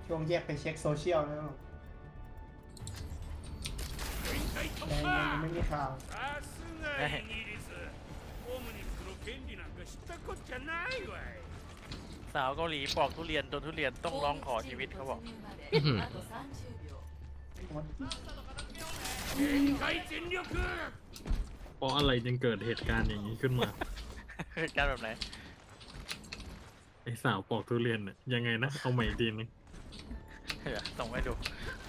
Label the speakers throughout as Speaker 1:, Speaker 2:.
Speaker 1: ช่วงแยกไปเช็คโซเชียลแล้วยังไม่มีข่าว
Speaker 2: สาวเกาหลีปอกทุเรียนโดนทุเรียนต้องร้องขอชีวิตเขาบอก
Speaker 3: เพราะอะไรจึงเกิดเหตุการณ์อย่างนี้ขึ้นมา
Speaker 2: เหตุการณ์แบบไหน
Speaker 3: ไอสาวปอกทุเรียนเนี่ยยังไงนะเอาใหม่อีกทีนึง
Speaker 2: เดี๋ยวส่งให้ดู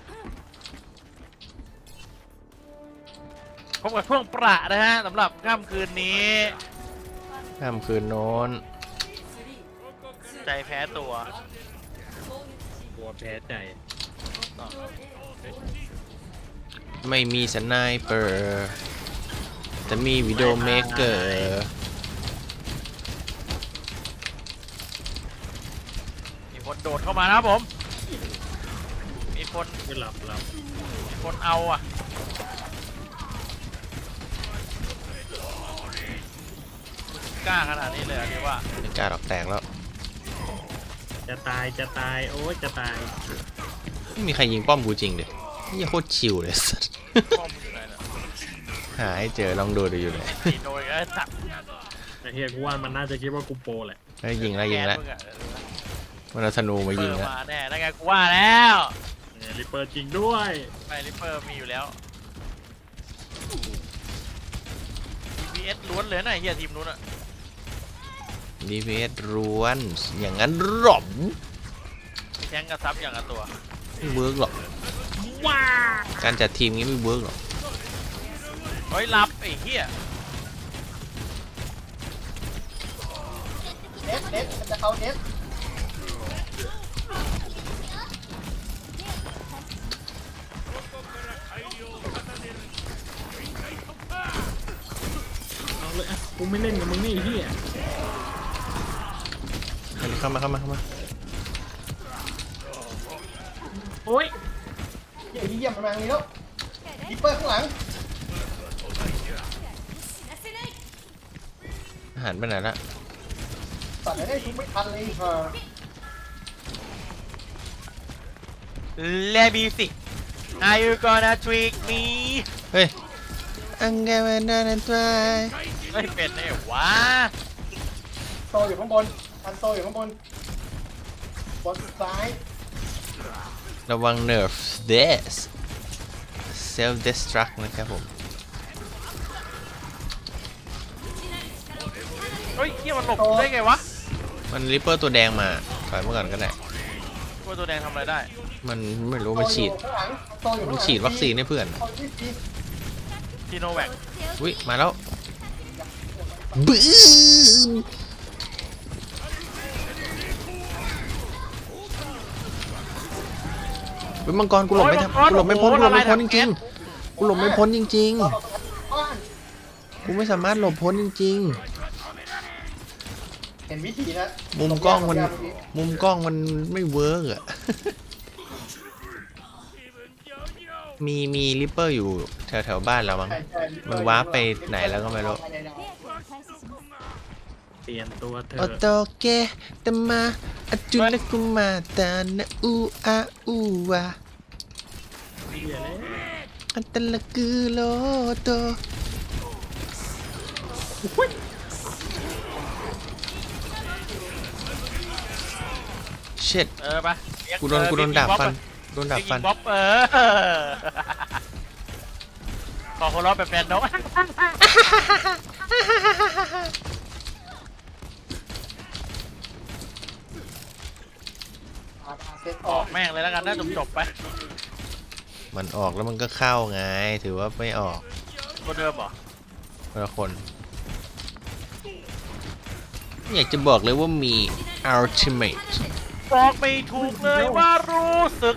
Speaker 2: พบกับช่วงประนะฮะสำหรับค่ำคืนนี้
Speaker 4: ค่ำคืนโน้น
Speaker 2: ใจแพ้ตัว
Speaker 3: กลัวแพ้ใจ
Speaker 4: ไม่มีสไนเปอร์แต่มีวิดีโอเมกเกอร์
Speaker 2: มีคนโดดเข้ามานะครับผม มีคน
Speaker 3: ไม่หลับ
Speaker 2: มีคนเอาอ่ะกล้าขนาดนี้เลยเหรอที่ว่า
Speaker 4: ไม่กล้าหรอกแตกแล้ว
Speaker 3: จะตายโอ้ยจะตาย
Speaker 4: ไม่มีใครยิงป้อมกูจริงเด็ดนี่โคตรชิวเลยสัส
Speaker 2: ป้อมอยู่ไหนเนี่ย
Speaker 4: หาให้เจอลองดูอยู่เลย
Speaker 2: ตีโดยก็จับ
Speaker 3: ไอเฮียกูว่ามันน่าจะคิดว่ากูโปรแหละ
Speaker 4: แล้วยิงแล้วยิงแล้ว
Speaker 2: มึงอะ
Speaker 4: มันเอาธนูมา
Speaker 2: เปิ
Speaker 4: ยิง
Speaker 2: ด
Speaker 4: แล้ว
Speaker 2: มาแน่แล้วไงกูว่าแล้ว
Speaker 3: เนี่ยริปเปอร์จริงด้วย
Speaker 2: ไม่ริปเปอร์มีอยู่แล้ว DPS ล้วนเลยนะไอ้เฮียทีมนู้นอะ
Speaker 4: DPS ล้วนอย่างนั้นหรอ
Speaker 2: มีแทงกระซับอย่างละตัว
Speaker 4: ไม่เวิร์กหรอกการจัดทีมงี้ไม่เวิร์กหรอก
Speaker 2: เฮ้ยรับไอ้เฮีย
Speaker 1: เน็ตมันจะเอาเน็ต
Speaker 3: เอาเลยอ่ะกูไม่เล่นกับมึงนี่ไอ้เฮีย
Speaker 4: เข้ามา
Speaker 3: โอ้ย
Speaker 1: เยี่ยมมันมาอย่างนี้แล้วดิปเปอร์ข้างหลัง
Speaker 4: อาหารไปไหนละ
Speaker 1: ตัดได้ทุกไม่ทันเลยค่ะ
Speaker 2: เลบีสิ Are you gonna trick me
Speaker 4: เฮ้ยอังเกมันนั่นตัว
Speaker 2: ไม่เป็นไงวะ
Speaker 1: โซอยู่ข้างบนอันโซอยู่ข้างบนบนซ้าย
Speaker 4: ระวัง nerf this self destruct นะครับผม
Speaker 2: เฮ้ยเฮียมันหลบได้ไงวะ
Speaker 4: มันริปเปอร์ตัวแดงมาถอยมาก่อนก็ได้
Speaker 2: ตัวตัวแดงทำอะไรได้
Speaker 4: มันไม่รู้มันฉีด
Speaker 1: โซอยู่ข้างหลังโซอยู่ข้างห
Speaker 4: มั
Speaker 1: ลั
Speaker 4: น
Speaker 1: ง
Speaker 4: ฉีดวัคซีนให้เพื่อน
Speaker 1: เอาที่ที่
Speaker 2: ทีโนแวค
Speaker 4: อุ้ยมาแล้วบึ้มเป็นมังกรกูหลบไม่ทันกูหลบไม่พ้นจริงๆกูหลบไม่พ้นจริง
Speaker 1: บ้าน
Speaker 4: ๆกูไม่สามารถหลบพ้นจริง
Speaker 1: เห็นวิธีนะ
Speaker 4: ๆมุมกล้องมันไม่เวิร์กอะ มีริปเปอร์อยู่แถวบ้านเรามั้ง มันวาร์ปไปไหนแล้วก็ไม่รู้
Speaker 3: เปลี่ยนตัวเธ
Speaker 4: โอ
Speaker 3: อ
Speaker 4: โตเกตมาอจุนกุมาตานะอูอาอูวา
Speaker 3: เฮียเลย
Speaker 4: อันตะละกือโลโตเช็ด
Speaker 2: ไป
Speaker 4: กูโดนดาบฟันโดนดาบฟัน
Speaker 2: บ๊อบขอคนร้องแบบแฟนนก
Speaker 1: เซ็ตอ
Speaker 2: อ
Speaker 1: อ
Speaker 2: อก กแม่งเลยแล้วกันนะจบไป
Speaker 4: มันออกแล้วมันก็เข้าไงถือว่าไม่ออก
Speaker 2: คนเดิมเหรอ
Speaker 4: คนละคนอยากจะบอกเลยว่ามี ultimate
Speaker 2: บอกไม่ถูกเลยว่ารู้สึก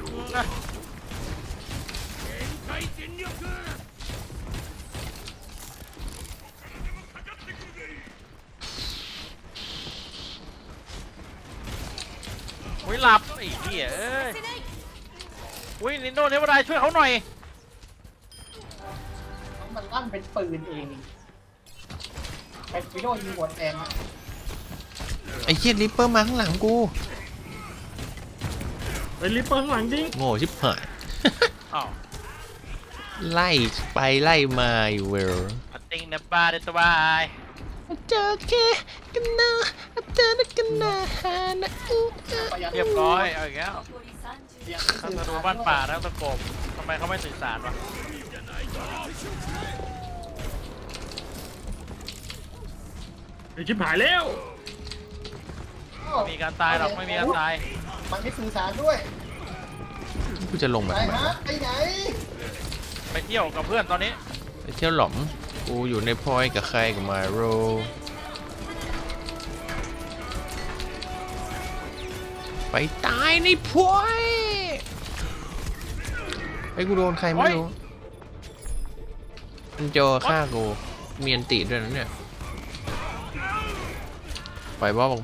Speaker 2: อุ้ยหลับไอ้เหี้ยเอ้ยอุ้ยนินโดเทวดาช่วยเขาหน่อย
Speaker 1: มันลั่นเป็นปืนเองไอ้ฟิโดยิงหัวแทน
Speaker 4: ไอ้เหี้ยริปเปอร์มาข้างหลังกู
Speaker 3: ไปลิปเปอร์ข้างหลังจริง
Speaker 4: โง่ชิบหาย
Speaker 2: อ้าว
Speaker 4: ไล่ไปไล่มาอยู่เวล
Speaker 2: อัดติงนะบ้าเด็ดสบาย
Speaker 4: เจอแค่กันนะเจอกันนะฮานะอู้
Speaker 1: ประหยัด
Speaker 2: เรียบร้อยเอาอีกแล้ว
Speaker 1: เสียง
Speaker 2: ทั้งธนูบ้านป่าทั้งตะกบทำไมเขาไม่สื่อสารวะ
Speaker 3: ไอ้ชิบหายแล้ว
Speaker 2: ไม่มีการตายหรอกไม่มีการตาย
Speaker 1: มันไม่สื่อสารด้วย
Speaker 4: กูจะลงมา
Speaker 1: ไป
Speaker 4: ทำไม
Speaker 1: ฮะไปไหน
Speaker 2: ไปเที่ยวกับเพื่อนตอนนี้
Speaker 4: ไปเที่ยวหลอมกูอยู่ในพอยกับใครกับมาโรไปตายในพอยไอ้กูโดนใครไม่รู้มันโจฆ่ากูเมียนติด้วยนะเนี่ยปล่อยบอสออกไป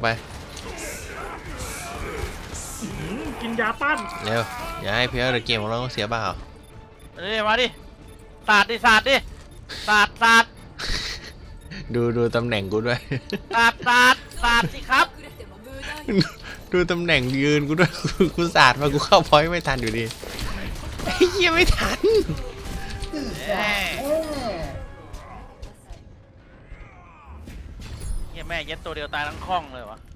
Speaker 3: กินยาต้าน
Speaker 4: เร็วอย่าให้เพลย์เกมของเราต้องเสียเปล่า
Speaker 2: นี่มาดิสาดดิสาดดิสาดสาด
Speaker 4: ดูตำแหน่งกูด้วย
Speaker 2: สาดสาดสาดสิครับ
Speaker 4: ดูตำแหน่งยืนกูด้วย กูสาดมากูเข้าพอยต์ไม่ทันอยู่ดีไอ้เหี้ยไม่ทัน
Speaker 1: สื่อสารแม่
Speaker 2: เฮียแม่เย็ดตัวเดียวตายทั้งคล่องเลยวะ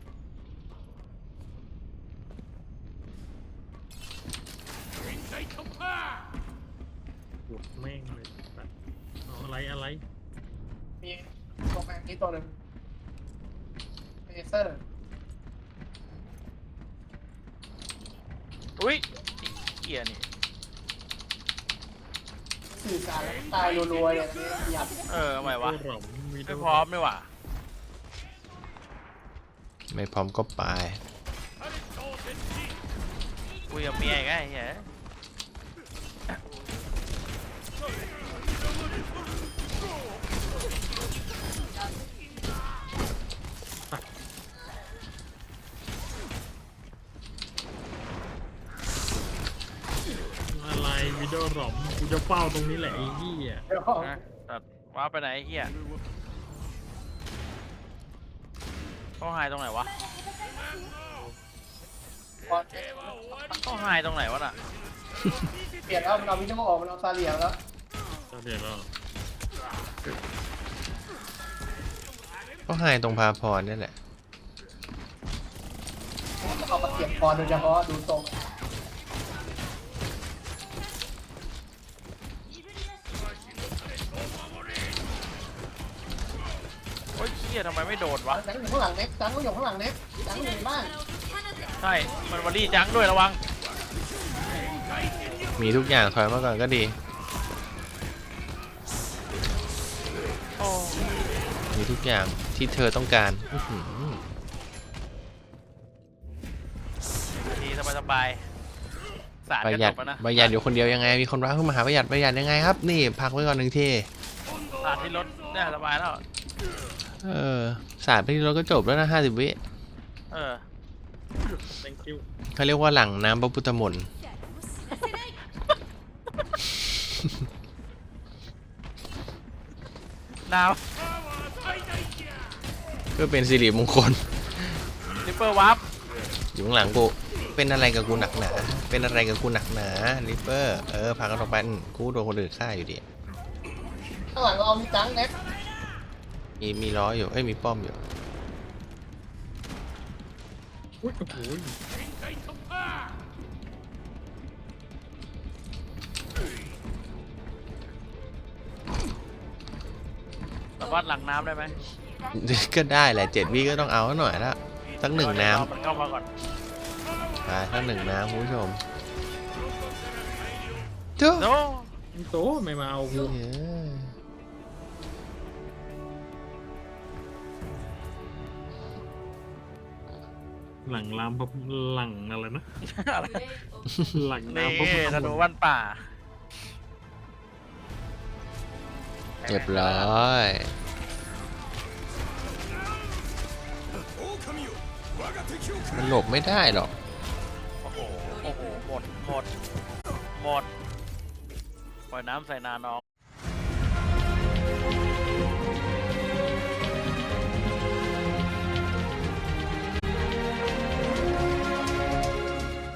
Speaker 3: ปวดแม่งเลยเอาอะไร
Speaker 1: มีตรงนี้ตัวหนึ่งเลเซอร์
Speaker 2: อุ้ยเฮียนี่
Speaker 1: สื่อสารตายรัวๆอย่างนี้ประหยัด
Speaker 2: ทำไมวะ
Speaker 3: ตัวหล่อมมี
Speaker 2: ไม่พร้อมไม่หว่า
Speaker 4: ไม่พร้อมก็ไป
Speaker 2: คุยกับเมียอีกไงเฮีย
Speaker 3: อะไรวิดีโอหล่อมกูจะเฝ้าตรงนี้แหละไอ้เหี้ย
Speaker 1: เดี๋ยว
Speaker 2: นะตัดว้าไปไหนไอ้เฮียเขาหายตรงไหนวะ
Speaker 1: บอล
Speaker 2: เขาหายตรงไหนวะน่ะ
Speaker 1: เปลี่ยนแล้วมันเอาวิดีโอออกมันเอาซาเลียแล้ว
Speaker 3: ตอนเดี๋ยวเรา
Speaker 4: ก็หายตรงพาพรนี่แหละ
Speaker 1: เอามาเก็บพอโดยเฉพาะดูทรง
Speaker 2: โอ้ยเฮียทำไมไม่โดนวะ
Speaker 1: จังอยู่ข้างหลังเน็กจังก็อยู่ข้างหลังเน็กจังอยู่ในบ้าน
Speaker 2: ใช่มันวอลลี่จังด้วยระวัง
Speaker 4: มีทุกอย่างถอยมาก่อนก็ดี
Speaker 2: โอ้
Speaker 4: มีทุกอย่างที่เธอต้องการอื้อหือ
Speaker 2: ดีสบายๆสาด
Speaker 4: ประ
Speaker 2: กระ
Speaker 4: หยั
Speaker 2: จ
Speaker 4: ด
Speaker 2: กแล้วนะ
Speaker 4: ประหยัดอยู่คนเดียวยังไง มีคนรักขึ้นมาหาประหยัดยังไงครับ นี่พักไว้ก่อนหนึ่งที
Speaker 2: สาดที่รถเนี่ยสบายแล้ว
Speaker 4: สาดไปที่เราก็จบแล้วนะ50 วิ
Speaker 2: เออ
Speaker 3: thank you
Speaker 4: เขาเรียกว่าหลังน้ำพระพุทธมนต์
Speaker 2: ดาว
Speaker 4: เพื่อเป็นสิริมงคล
Speaker 2: ลิปเปอร์วับ
Speaker 4: อยู่ข้างหลังกู เป็นอะไรกับกูหนักหนา เป็นอะไรกับกูหนักหนาลิปเปอร์ พากันออกไปกูโดนคนอื่นฆ่าอยู่ดี
Speaker 1: ข้างหลังเราเอามีจังเน็ก
Speaker 4: มีล้ออยู่ มีป้อมอยู่
Speaker 3: อุ้ยโอ้โห
Speaker 2: สามารถหลังน้ำได้ไหม
Speaker 4: ก็ได้แหละ7 วิก็ต้องเอาหน่อยละสักหนึ่งน้
Speaker 2: มันเข้ามาก่อน
Speaker 4: ำไปสักหนึ่งน้ำคุณผู้ชมเจ้า
Speaker 2: โน
Speaker 3: โตไม่มาเอากู หลังลามพระหลังอะไรนะ
Speaker 2: อะไร
Speaker 3: หลัง
Speaker 2: นี่
Speaker 3: น้ำพระพุทธ
Speaker 2: ธ
Speaker 3: ม
Speaker 2: นู
Speaker 3: นต์
Speaker 2: วันป่า
Speaker 4: เรียบร้อย มันหลบไม่ได้หรอก
Speaker 2: โอ้โห หมดปล่อยน้ำใส่นาน้อง